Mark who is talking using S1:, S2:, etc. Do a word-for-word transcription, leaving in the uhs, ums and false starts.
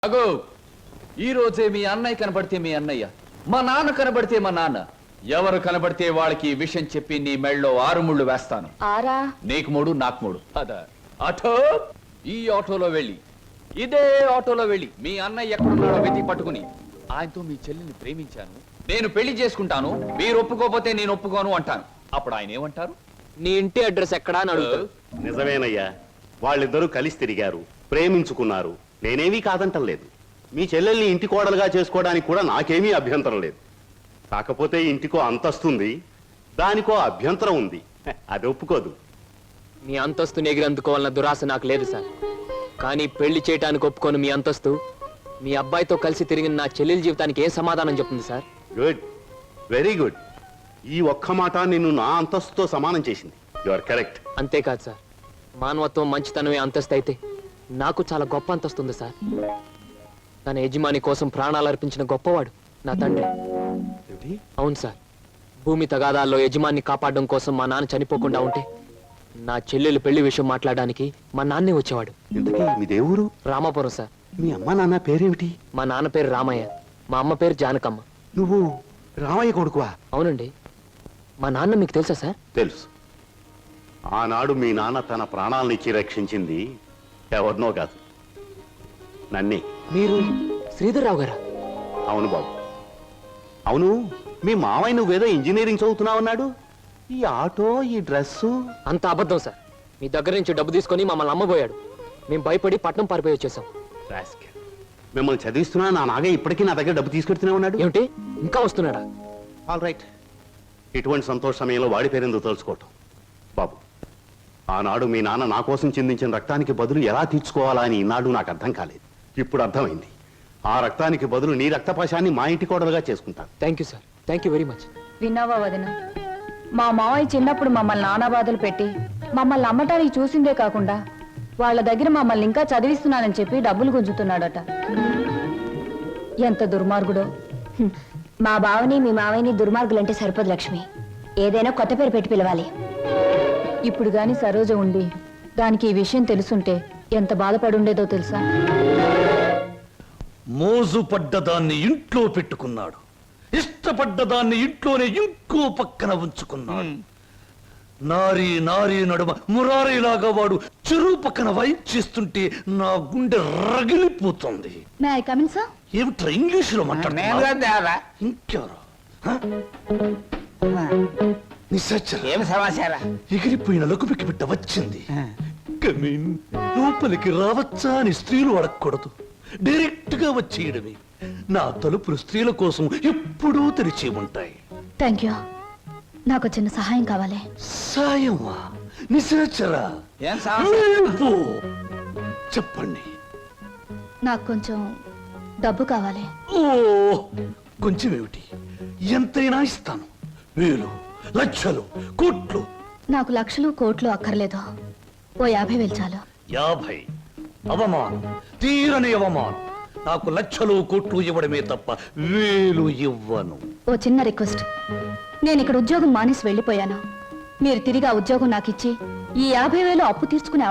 S1: అగో ఈ రోజే మీ అన్నయ్య కనబడితే మీ అన్నయ్య, మా నాన్న కనబడితే మా నాన్న, ఎవరు కనబడితే వాళ్ళకి ఈ విషయం చెప్పి నీ మెళ్ళలో ఆరు ముళ్ళు వేస్తాను.
S2: ఆరా
S1: నీకు మూడు నాకు మూడు. అదా ఆటో, ఈ ఆటోలో వెళ్ళి ఇదే ఆటోలో వెళ్ళి మీ అన్నయ్య ఎక్కడున్నాడో వెతికి పట్టుకుని ఆయనతో మీ చెల్లిని ప్రేమించాను, నేను పెళ్లి చేసుకుంటాను, మీరు ఒప్పుకోకపోతే నేను ఒప్పుకోను అంటాను. అప్పుడు ఆయన ఏమంటారు?
S3: నీ ఇంటి అడ్రస్ ఎక్కడా అని అడుగుతారు.
S4: నిజమేనయ్యా, వాళ్ళిద్దరూ కలిసి తిరిగారు, ప్రేమించుకున్నారు. నేనేమీ కాదంటం లేదు. మీ చెల్లెల్ని ఇంటి కోడలుగా చేసుకోవడానికి కూడా నాకేమీ అభ్యంతరం లేదు. కాకపోతే ఇంటికో అంతస్తుంది, దానికో అభ్యంతరం ఉంది. అది ఒప్పుకోదు.
S3: మీ అంతస్తుని ఎగిరందుకోవాలన్న దురాశ నాకు లేదు సార్. కానీ పెళ్లి చేయడానికి ఒప్పుకోను మీ అంతస్తు మీ అబ్బాయితో కలిసి తిరిగిన నా చెల్లెల జీవితానికి ఏ సమాధానం చెప్తుంది సార్?
S4: Good, very good. ఈ ఒక్క మాట నిన్ను నా అంతస్తుతో సమానం చేసింది. You are correct.
S3: అంతేకాదు సార్, మానవత్వం మంచితనమే అంతస్తు అయితే నాకు చాలా గొప్ప అంతస్తుంది సార్. తన యజమాని కోసం ప్రాణాలు అర్పించిన గొప్పవాడు నా తండ్రి. అవును సార్, భూమి తగాదాల్లో యజమాన్ని కాపాడడం కోసం మా నాన్న చనిపోకుండా ఉంటే నా చెల్లెలు పెళ్లి విషయం మాట్లాడడానికి మా నాన్నే వచ్చేవాడు.
S4: ఇంతకీ మీ దేవురు?
S3: రామాపురం సార్.
S4: మీ అమ్మ నాన్న పేరేమిటి?
S3: మా నాన్న పేరు రామయ్య, మా అమ్మ పేరు జానకమ్మ.
S4: నువ్వు రామయ్య కొడుకువా?
S3: అవునండి. మా నాన్న మీకు తెలుసా సార్?
S4: తెలుసు. ఆనాడు మీ నాన్న తన ప్రాణాలనిచ్చి రక్షించింది ఎవరినో కాదు, నన్నే.
S3: మీరు శ్రీధర్రావు గారా?
S4: అవును బాబు, అవును. మీ మావయ్య నువ్వేదో ఇంజనీరింగ్ చదువుతున్నావన్నాడు. ఈ ఆటో, ఈ డ్రెస్సు
S3: అంత అబద్ధం సార్. మీ దగ్గర నుంచి డబ్బు తీసుకొని మమ్మల్ని అమ్మబోయాడు. మేము భయపడి పట్నం పారిపోయి వచ్చేసాం.
S4: మిమ్మల్ని చదివిస్తున్నా నా నాగయ్య ఇప్పటికీ నా దగ్గర డబ్బు తీసుకెడుతూనే ఉన్నాడు.
S3: ఏమిటి, ఇంకా వస్తున్నాడా?
S4: All right. ఇటువంటి సంతోష సమయంలో వాడి పేరెందుకు తెలుసుకోవటం బాబు. ఆనాడు మీ నాన్న నా కోసం చిందించిన రక్తానికి బదులు ఎలా తీర్చుకోవాలా అని ఈనాడు నాకు అర్థం కాలేదు. ఇప్పుడు అర్థమైంది. ఆ రక్తానికి బదులు నీ రక్తపాశాన్ని మా ఇంటి కోడలుగా చేసుకుంటాను.
S3: Thank you sir, thank you very much.
S2: విన్నావా వదిన, మా మావయ్య చిన్నప్పుడు మమ్మల్ని నానా బాధలు పెట్టి మమ్మల్ని అమ్మటానికి చూసిందే కాకుండా వాళ్ళ దగ్గర మమ్మల్ని ఇంకా చదివిస్తున్నానని చెప్పి డబ్బులు గుంజుతున్నాడట. ఎంత దుర్మార్గుడో.
S5: మా బావని మీ మావయ్యని దుర్మార్గులంటే సరిపోదు లక్ష్మి. ఏదైనా కొత్త పేరు పెట్టి పిలవాలి.
S2: ఇప్పుడు గాని సరోజ ఉండి దానికి ఈ విషయం తెలుసుంటే ఎంత బాధపడుండేదో తెలుసా?
S6: మోజు పడ్డదాన్ని ఇంట్లో పెట్టుకున్నాడు, ఇష్టపడ్డదాన్ని ఇంట్లోనే ఇంకో పక్కన ఉంచుకున్నాడు. నారీ నారీ నడుమ మురారీలాగా వాడు చెరువు పక్కన వైప్ చేస్తుంటే నా గుండె రగిలిపోతుంది.
S2: May I come in sir?
S6: ఏమిట్రా ఇంగ్లీషులో మాట్లాడుతున్నా? ఇంకెవరు?
S7: ఏం సమాచారం?
S6: ఎగిరిపోయిన లకుపికి బిడ్డ వచ్చింది. కమీన్, లోపలికి రావచ్చా అని స్త్రీలు అడగకూడదు, డైరెక్ట్ గా వచ్చేయడమే. నా తలుపులు స్త్రీల కోసం ఎప్పుడూ తెరిచి ఉంటాయి.
S5: Thank you. నాకు చిన్న సహాయం కావాలి.
S6: సాయమా? నిశాచరా?
S7: ఏం సమాచారం?
S6: చెప్పండి.
S5: నాకు కొంచెం డబ్బు కావాలి.
S6: ఓ, కొంచెం ఏమిటి, ఎంతైనా ఇస్తాను. వేలు, లక్షలు, కోట్లు.
S5: నాకు లక్షలు కోట్లు అక్కర్లేదు. ఓ యాభై వేలు చాలు.
S6: యాభై? అవమానం, తీరని అవమానం. నాకు లక్షలు కోట్లు ఇవ్వడమే తప్ప వేలు ఇవ్వను.
S5: ఓ చిన్న రిక్వెస్ట్. నేను ఇక్కడ ఉద్యోగం మానేసి వెళ్ళిపోయాను. మీరు తిరిగి ఆ ఉద్యోగం నాకు ఇచ్చి ఈ యాభై వేలు అప్పు తీర్చుకునే